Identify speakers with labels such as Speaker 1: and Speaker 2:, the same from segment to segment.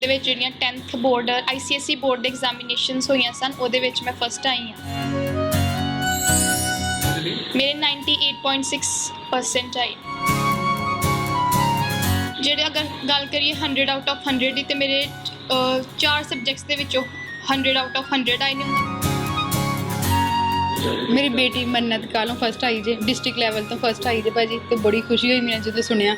Speaker 1: ਦੇ ਵਿੱਚ ਜਿਹੜੀਆਂ 10th ਬੋਰਡ ICSE ਬੋਰਡ ਦੇ ਐਗਜ਼ਾਮੀਨੇਸ਼ਨਸ ਹੋਈਆਂ ਸਨ ਉਹਦੇ ਵਿੱਚ ਮੈਂ ਫਸਟ ਆਈ ਹਾਂ। ਮੇਰੇ 98.6% ਆਏ। ਜਿਹੜੇ ਅਗਰ ਗੱਲ ਕਰੀਏ 100 ਆਊਟ ਆਫ 100 ਦੀ, ਤੇ ਮੇਰੇ 4 ਸਬਜੈਕਟਸ ਦੇ ਵਿੱਚੋਂ 100 ਆਊਟ ਆਫ 100 ਆਏ ਨੇ।
Speaker 2: ਮੇਰੀ ਬੇਟੀ ਮੰਨਤ ਕਾਲੋਂ ਫਸਟ ਆਈ ਜੇ, ਡਿਸਟ੍ਰਿਕਟ ਲੈਵਲ ਤੋਂ ਫਸਟ ਆਈ ਜੇ ਭਾਜੀ, ਤੇ ਬੜੀ ਖੁਸ਼ੀ ਹੋਈ ਮੈਨੂੰ ਜਦੋਂ ਸੁਣਿਆ।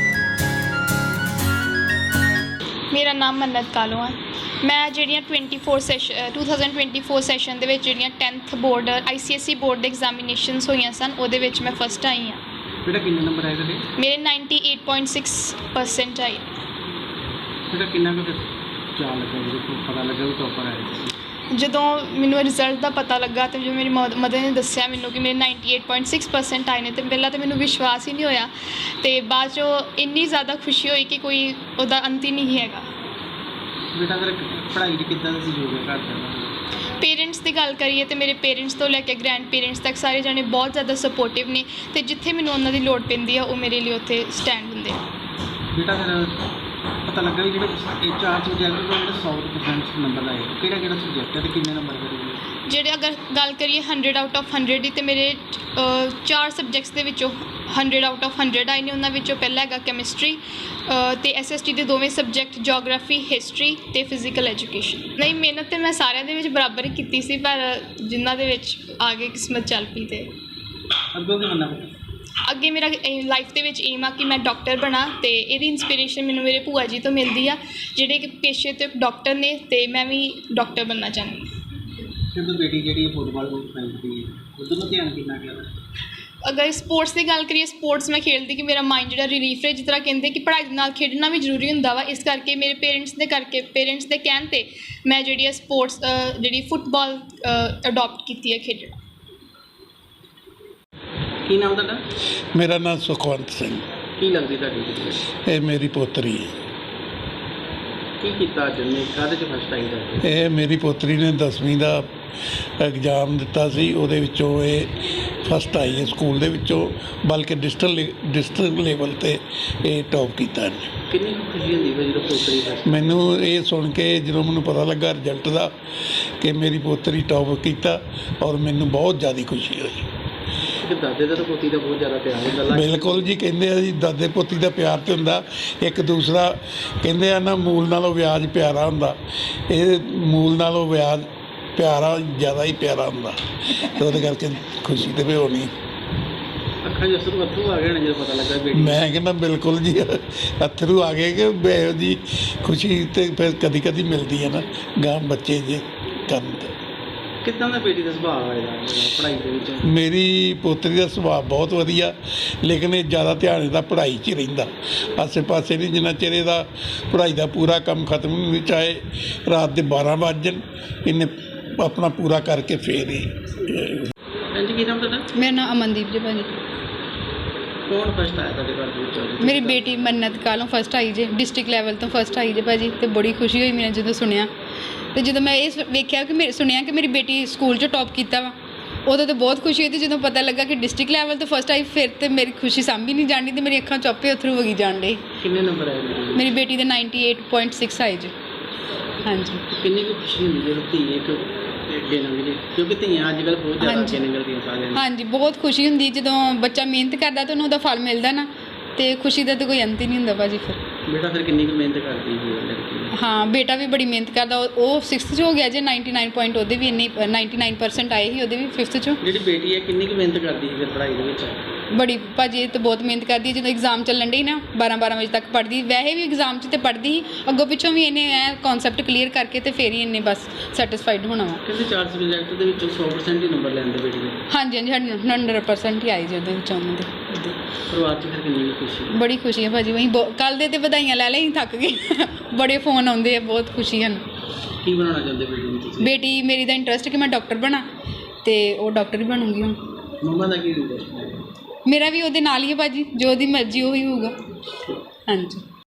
Speaker 1: ਮੇਰਾ ਨਾਮ ਮੰਨਤ ਕਾਲੋਂ ਹੈ। ਮੈਂ ਜਿਹੜੀਆਂ 2024 ਸੈਸ਼ਨ ਦੇ ਵਿੱਚ ਜਿਹੜੀਆਂ 10th ਬੋਰਡ ICSE ਬੋਰਡ ਦੇ ਐਗਜ਼ਾਮੀਨੇਸ਼ਨਸ ਹੋਈਆਂ ਸਨ ਉਹਦੇ ਵਿੱਚ ਮੈਂ ਫਸਟ ਆਈ ਹਾਂ।
Speaker 3: ਬੇਟਾ ਕਿੰਨੇ ਨੰਬਰ ਆਏ ਤੁਹਾਡੇ?
Speaker 1: ਮੇਰੇ 98.6% ਆਏ।
Speaker 3: ਬੇਟਾ ਕਿੰਨਾ ਕੁ ਚਾਅ ਲੱਗਾ ਜਦੋਂ ਪਤਾ ਲੱਗਾ ਵੀ ਟੌਪਰ ਆਏ?
Speaker 1: ਜਦੋਂ ਮੈਨੂੰ ਰਿਜ਼ਲਟ ਦਾ ਪਤਾ ਲੱਗਾ ਤੇ ਜਦੋਂ ਮੇਰੀ ਮਦਰ ਨੇ ਦੱਸਿਆ ਮੈਨੂੰ ਕਿ ਮੇਰੇ 98.6% ਆਏ ਨੇ, ਤੇ ਪਹਿਲਾਂ ਤਾਂ ਮੈਨੂੰ ਵਿਸ਼ਵਾਸ ਹੀ ਨਹੀਂ ਹੋਇਆ, ਤੇ ਬਾਅਦ 'ਚੋਂ ਇੰਨੀ ਜ਼ਿਆਦਾ ਖੁਸ਼ੀ ਹੋਈ ਕਿ ਕੋਈ ਉਹਦਾ ਅੰਤ ਹੀ ਨਹੀਂ ਹੈਗਾ।
Speaker 3: ਬੇਟਾ ਫਿਰ ਪੜ੍ਹਾਈ ਦੀ ਕਿੱਦਾਂ ਦਾ ਸਹਿਯੋਗ ਹੈ ਘਰ ਦਾ?
Speaker 1: ਪੇਰੈਂਟਸ ਦੀ ਗੱਲ ਕਰੀਏ ਤਾਂ ਮੇਰੇ ਪੇਰੈਂਟਸ ਤੋਂ ਲੈ ਕੇ ਗ੍ਰੈਂਡ ਪੇਰੈਂਟਸ ਤੱਕ ਸਾਰੇ ਜਾਣੇ ਬਹੁਤ ਜ਼ਿਆਦਾ ਸਪੋਰਟਿਵ ਨੇ, ਤੇ ਜਿੱਥੇ ਮੈਨੂੰ ਉਹਨਾਂ ਦੀ ਲੋੜ ਪੈਂਦੀ ਆ ਉਹ ਮੇਰੇ ਲਈ ਉੱਥੇ ਸਟੈਂਡ ਹੁੰਦੇ ਆ।
Speaker 3: ਬੇਟਾ ਫਿਰ ਪਤਾ ਲੱਗਾ ਵੀ ਜਿਹੜੇ 4 ਸਬਜੈਕਟ ਤੋਂ ਜਿਹੜੇ 100% ਨੰਬਰ ਆਏ, ਕਿਹੜਾ ਸਬਜੈਕਟ ਹੈ ਤੇ ਕਿੰਨੇ ਨੰਬਰ ਕਰੇਗੇ?
Speaker 1: ਜਿਹੜੇ ਅਗਰ ਗੱਲ ਕਰੀਏ 100 ਆਊਟ ਆਫ 100 ਦੀ, ਤੇ ਮੇਰੇ 4 ਸਬਜੈਕਟਸ ਦੇ ਵਿੱਚੋਂ 100 ਆਊਟ ਆਫ 100 ਆਏ ਨੇ। ਉਹਨਾਂ ਵਿੱਚੋਂ ਪਹਿਲਾ ਹੈਗਾ ਕੈਮਿਸਟਰੀ ਤੇ SST ਦੇ ਦੋਵੇਂ ਸਬਜੈਕਟ, ਜੀਓਗ੍ਰਾਫੀ, ਹਿਸਟਰੀ ਤੇ ਫਿਜ਼ੀਕਲ ਐਜੂਕੇਸ਼ਨ। ਨਹੀਂ, ਮਿਹਨਤ ਤਾਂ ਮੈਂ ਸਾਰਿਆਂ ਦੇ ਵਿੱਚ ਬਰਾਬਰ ਹੀ ਕੀਤੀ ਸੀ, ਪਰ ਜਿਨ੍ਹਾਂ ਦੇ ਵਿੱਚ ਆ ਗਏ ਕਿਸਮਤ ਚੱਲ ਪਈ। ਤੇ
Speaker 3: ਅੱਗੋਂ ਕੀ ਬਣਨਾ?
Speaker 1: ਅੱਗੇ ਮੇਰਾ ਲਾਈਫ ਦੇ ਵਿੱਚ ਏਮ ਆ ਕਿ ਮੈਂ ਡਾਕਟਰ ਬਣਾ, ਤੇ ਇਹਦੀ ਇੰਸਪੀਰੇਸ਼ਨ ਮੈਨੂੰ ਮੇਰੇ ਭੂਆ ਜੀ ਤੋਂ ਮਿਲਦੀ ਆ, ਜਿਹੜੇ ਕਿ ਪੇਸ਼ੇ ਤੋਂ ਡਾਕਟਰ ਨੇ, ਤੇ ਮੈਂ ਵੀ ਡਾਕਟਰ ਬਣਨਾ ਚਾਹੁੰਦੀ ਹਾਂ।
Speaker 3: ਜਦੋਂ ਬੇਟੀ ਜਿਹੜੀ ਫੁੱਟਬਾਲ ਖੇਡਦੀ ਹੈ ਉਦੋਂ ਨੂੰ ਧਿਆਨ ਕਿੰਨਾ ਗਿਆ?
Speaker 1: ਅਗਰ ਸਪੋਰਟਸ ਦੀ ਗੱਲ ਕਰੀਏ, ਸਪੋਰਟਸ ਮੈਂ ਖੇਡਦੀ ਕਿ ਮੇਰਾ ਮਾਈਂਡ ਜਿਹੜਾ ਰਿਲੀਫ ਹੈ, ਜਿਸ ਤਰ੍ਹਾਂ ਕਹਿੰਦੇ ਕਿ ਪੜ੍ਹਾਈ ਦੇ ਨਾਲ ਖੇਡਣਾ ਵੀ ਜ਼ਰੂਰੀ ਹੁੰਦਾ ਵਾ। ਇਸ ਕਰਕੇ ਮੇਰੇ ਪੇਰੈਂਟਸ ਦੇ ਕਹਿਣ 'ਤੇ ਮੈਂ ਜਿਹੜੀ ਹੈ ਸਪੋਰਟਸ ਜਿਹੜੀ ਫੁੱਟਬਾਲ ਅਡੋਪਟ ਕੀਤੀ ਹੈ ਖੇਡਣਾ।
Speaker 3: ਕੀ ਨਾਮ ਤੁਹਾਡਾ?
Speaker 4: ਮੇਰਾ ਨਾਮ ਸੁਖਵੰਤ ਸਿੰਘ।
Speaker 3: ਕੀ ਲੱਗਦੀ ਤੁਹਾਡੀ?
Speaker 4: ਇਹ ਮੇਰੀ ਪੋਤਰੀ ਹੈ।
Speaker 3: ਕੀ ਕੀਤਾ ਅੱਜ ਨੇ, ਕਾਹਦੇ 'ਚ ਫਸਟ ਆਈ ਤੁਹਾਡੀ?
Speaker 4: ਇਹ ਮੇਰੀ ਪੋਤਰੀ ਨੇ 10ਵੀਂ ਦਾ ਐਗਜ਼ਾਮ ਦਿੱਤਾ ਸੀ, ਉਹਦੇ ਵਿੱਚੋਂ ਇਹ ਫਸਟ ਆਈ ਹੈ ਸਕੂਲ ਦੇ ਵਿੱਚੋਂ, ਬਲਕਿ ਡਿਸਟ੍ਰਿਕਟ ਲੈਵਲ 'ਤੇ ਇਹ ਟੌਪ ਕੀਤਾ ਇਹਨੇ।
Speaker 3: ਕਿੰਨੀ ਖੁਸ਼ੀ ਹੁੰਦੀ ਹੈ ਜਦੋਂ ਪੋਤਰੀ ਫਸਟ?
Speaker 4: ਮੈਨੂੰ ਇਹ ਸੁਣ ਕੇ ਜਦੋਂ ਮੈਨੂੰ ਪਤਾ ਲੱਗਾ ਰਿਜ਼ਲਟ ਦਾ ਕਿ ਮੇਰੀ ਪੋਤਰੀ ਟੌਪ ਕੀਤਾ, ਔਰ ਮੈਨੂੰ ਬਹੁਤ ਜ਼ਿਆਦਾ ਖੁਸ਼ੀ ਹੋਈ।
Speaker 3: ਦਾਦੇ ਦਾ ਤਾਂ ਪੋਤੀ ਦਾ ਬਹੁਤ ਜ਼ਿਆਦਾ ਪਿਆਰ ਹੁੰਦਾ।
Speaker 4: ਬਿਲਕੁਲ ਜੀ, ਕਹਿੰਦੇ ਆ ਜੀ ਦਾਦੇ ਪੋਤੀ ਦਾ ਪਿਆਰ ਤੇ ਹੁੰਦਾ, ਇੱਕ ਦੂਸਰਾ ਕਹਿੰਦੇ ਆ ਨਾ, ਮੂਲ ਨਾਲੋਂ ਵਿਆਜ ਪਿਆਰਾ ਹੁੰਦਾ। ਇਹ ਮੂਲ ਨਾਲੋਂ ਵਿਆਜ ਪਿਆਰਾ ਜ਼ਿਆਦਾ ਹੀ ਪਿਆਰਾ ਹੁੰਦਾ, ਤੇ ਉਹਦੇ ਕਰਕੇ ਖੁਸ਼ੀ ਤੇ ਵੀ ਹੋਣੀ।
Speaker 3: ਅੱਖਾਂ 'ਚ ਅਥਰੂ ਆ ਗਏ ਨੇ ਜਦੋਂ ਪਤਾ ਲੱਗਾ ਬੇਟੀ? ਮੈਂ
Speaker 4: ਕਹਿੰਦਾ ਬਿਲਕੁਲ ਜੀ, ਅਥਰੂ ਆ ਗਏ ਕਿ ਇਹੋ ਜੀ ਖੁਸ਼ੀ ਤੇ ਫਿਰ ਕਦੀ ਕਦੀ ਮਿਲਦੀ ਹੈ ਨਾ ਗਾਂ ਬੱਚੇ ਜੇ ਕਰਨ ਤੇ।
Speaker 3: ਕਿੱਦਾਂ ਦਾ ਬੇਟੀ ਦਾ ਸੁਭਾਅ ਹੋਏਗਾ ਪੜ੍ਹਾਈ ਦੇ ਵਿੱਚ? ਮੇਰੀ
Speaker 4: ਪੋਤਰੀ ਦਾ ਸੁਭਾਅ ਬਹੁਤ ਵਧੀਆ, ਲੇਕਿਨ ਇਹ ਜ਼ਿਆਦਾ ਧਿਆਨ ਇਹਦਾ ਪੜ੍ਹਾਈ 'ਚ ਹੀ ਰਹਿੰਦਾ, ਆਸੇ ਪਾਸੇ ਨਹੀਂ। ਜਿੰਨਾ ਚਿਰ ਇਹਦਾ ਪੜ੍ਹਾਈ ਦਾ ਪੂਰਾ ਕੰਮ ਖਤਮ ਨਹੀਂ ਹੁੰਦਾ, ਚਾਹੇ ਰਾਤ ਦੇ 12 ਵੱਜ ਜਾਣ, ਇਹਨੇ ਆਪਣਾ ਪੂਰਾ ਕਰਕੇ ਫੇਰ ਹੀ।
Speaker 3: ਹਾਂਜੀ, ਕੀ ਨਾਮ ਤੁਹਾਡਾ?
Speaker 2: ਮੇਰਾ ਨਾਮ ਅਮਨਦੀਪ ਜੀ ਭਾਜੀ।
Speaker 3: ਕੌਣ ਫਸਟ ਆਇਆ ਤੁਹਾਡੇ ਘਰ ਦੇ ਵਿੱਚ?
Speaker 2: ਮੇਰੀ ਬੇਟੀ ਮੰਨਤ ਕਾਲੋਂ ਫਸਟ ਆਈ ਜੇ, ਡਿਸਟ੍ਰਿਕਟ ਲੈਵਲ ਤੋਂ ਫਸਟ ਆਈ ਜੇ ਭਾਜੀ, ਤੇ ਬੜੀ ਖੁਸ਼ੀ ਹੋਈ ਮੈਨੂੰ ਜਦੋਂ ਸੁਣਿਆ। ਤੇ ਜਦੋਂ ਮੈਂ ਇਹ ਵੇਖਿਆ ਕਿ ਸੁਣਿਆ ਕਿ ਮੇਰੀ ਬੇਟੀ ਸਕੂਲ 'ਚ ਟੌਪ ਕੀਤਾ ਵਾ, ਉਦੋਂ ਤਾਂ ਬਹੁਤ ਖੁਸ਼ੀ ਹੋਈ। ਤੇ ਜਦੋਂ ਪਤਾ ਲੱਗਾ ਕਿ ਡਿਸਟ੍ਰਿਕਟ ਲੈਵਲ ਤੋਂ ਫਸਟ ਆਈ, ਫਿਰ ਤੇ ਮੇਰੀ ਖੁਸ਼ੀ ਸਾਂਭੀ ਨਹੀਂ ਜਾਣੀ, ਤੇ ਮੇਰੀ ਅੱਖਾਂ ਚੋਪੇ ਅਥਰੂ ਵਗੀ ਜਾਣ ਡੇ।
Speaker 3: ਕਿੰਨੇ ਨੰਬਰ ਆਏ
Speaker 2: ਮੇਰੀ ਬੇਟੀ ਦੇ 98.6 ਆਏ ਜੀ। ਹਾਂਜੀ।
Speaker 3: ਕਿੰਨੀ ਕੁ ਖੁਸ਼ੀ ਹੁੰਦੀ ਜਦੋਂ ਧੀ ਇੱਕ ਅੱਗੇ ਨਿਕਲੇ, ਕਿਉਂਕਿ ਧੀਆਂ ਅੱਜ ਕੱਲ੍ਹ ਬਹੁਤ ਜ਼ਿਆਦਾ ਅੱਗੇ ਨਿਕਲਦੀਆਂ ਸਾਰਿਆਂ ਨੂੰ? ਹਾਂਜੀ,
Speaker 2: ਬਹੁਤ ਖੁਸ਼ੀ ਹੁੰਦੀ ਜਦੋਂ ਬੱਚਾ ਮਿਹਨਤ ਕਰਦਾ ਤਾਂ ਉਹਨੂੰ ਉਹਦਾ ਫਲ ਮਿਲਦਾ ਨਾ, ਤੇ ਖੁਸ਼ੀ ਦਾ ਤਾਂ ਕੋਈ ਅੰਤ ਹੀ ਨਹੀਂ ਹੁੰਦਾ ਭਾਜੀ। ਫਿਰ
Speaker 3: ਬੇਟਾ ਫਿਰ ਕਿੰਨੀ ਕੁ ਮਿਹਨਤ ਕਰਦੀ ਹੈ ਲੜਕੀ?
Speaker 2: ਹਾਂ, ਬੇਟਾ ਵੀ ਬੜੀ ਮਿਹਨਤ ਕਰਦਾ। ਉਹ 6th 'ਚ ਹੋ ਗਿਆ ਜੇ, 99 ਪੁਆਇੰਟ ਉਹਦੇ ਵੀ ਇੰਨੇ 99% ਆਏ ਸੀ ਉਹਦੇ ਵੀ 5th 'ਚੋਂ।
Speaker 3: ਜਿਹੜੀ ਬੇਟੀ ਹੈ ਕਿੰਨੀ ਕੁ ਮਿਹਨਤ ਕਰਦੀ ਹੈ ਫਿਰ ਪੜ੍ਹਾਈ ਦੇ ਵਿੱਚ?
Speaker 2: ਬੜੀ ਭਾਜੀ, ਇਹ ਤਾਂ ਬਹੁਤ ਮਿਹਨਤ ਕਰਦੀ ਹੈ। ਜਦੋਂ ਐਗਜ਼ਾਮ ਚੱਲਣ ਡੇ ਨਾ 12 ਵਜੇ ਤੱਕ ਪੜ੍ਹਦੀ, ਵੈਸੇ ਵੀ ਐਗਜ਼ਾਮ 'ਚ ਤਾਂ ਪੜ੍ਹਦੀ ਸੀ, ਅੱਗੋਂ ਪਿੱਛੋਂ ਵੀ ਇਹਨੇ ਇਹ ਕਨਸੈਪਟ ਕਲੀਅਰ ਕਰਕੇ ਤੇ ਫਿਰ ਹੀ ਇਹਨੇ ਬਸ ਸੈਟਿਸਫਾਈਡ ਹੋਣਾ ਵਾ।
Speaker 3: ਕਹਿੰਦੇ 4 ਸਬਜੈਕਟ ਦੇ ਵਿੱਚੋਂ 100% ਹੀ ਨੰਬਰ ਲੈਂਦੇ ਬੇਟੀ ਦੇ?
Speaker 2: ਹਾਂਜੀ ਹਾਂਜੀ, 100% ਹੀ ਆਏ ਜੀ ਉਹਦੇ ਵਿੱਚੋਂ ਉਹਨਾਂ ਦੇ।
Speaker 3: ਪਰਿਵਾਰ 'ਚ ਫਿਰ ਕਿੰਨੀ ਖੁਸ਼ੀ?
Speaker 2: ਬੜੀ ਖੁਸ਼ੀ ਹੈ ਭਾਜੀ। ਵਹੀਂ ਕੱਲ੍ਹ ਦੇ ਤੇ ਵਧਾਈਆਂ ਲੈ ਲਈ, ਥੱਕ ਗਏ। ਬੜੇ ਫੋਨ ਆਉਂਦੇ ਆ, ਬਹੁਤ ਖੁਸ਼ੀ ਹਨ।
Speaker 3: ਕੀ ਬਣਾਉਣਾ ਚਾਹੁੰਦੇ ਬੇਟੀ ਨੂੰ ਤੁਸੀਂ?
Speaker 2: ਬੇਟੀ ਮੇਰੀ ਦਾ ਇੰਟਰਸਟ ਕਿ ਮੈਂ ਡਾਕਟਰ ਬਣਾ, ਤੇ ਉਹ ਡਾਕਟਰ ਹੀ ਬਣੂਗੀ ਹੁਣ।
Speaker 3: ਮੰਮਾ ਦਾ ਕੀ ਇੰਟਰਸਟ ਹੈ?
Speaker 2: ਮੇਰਾ ਵੀ ਉਹਦੇ ਨਾਲ ਹੀ ਹੈ ਭਾਜੀ, ਜੋ ਉਹਦੀ ਮਰਜ਼ੀ ਉਹੀ ਹੋਊਗਾ। ਹਾਂਜੀ।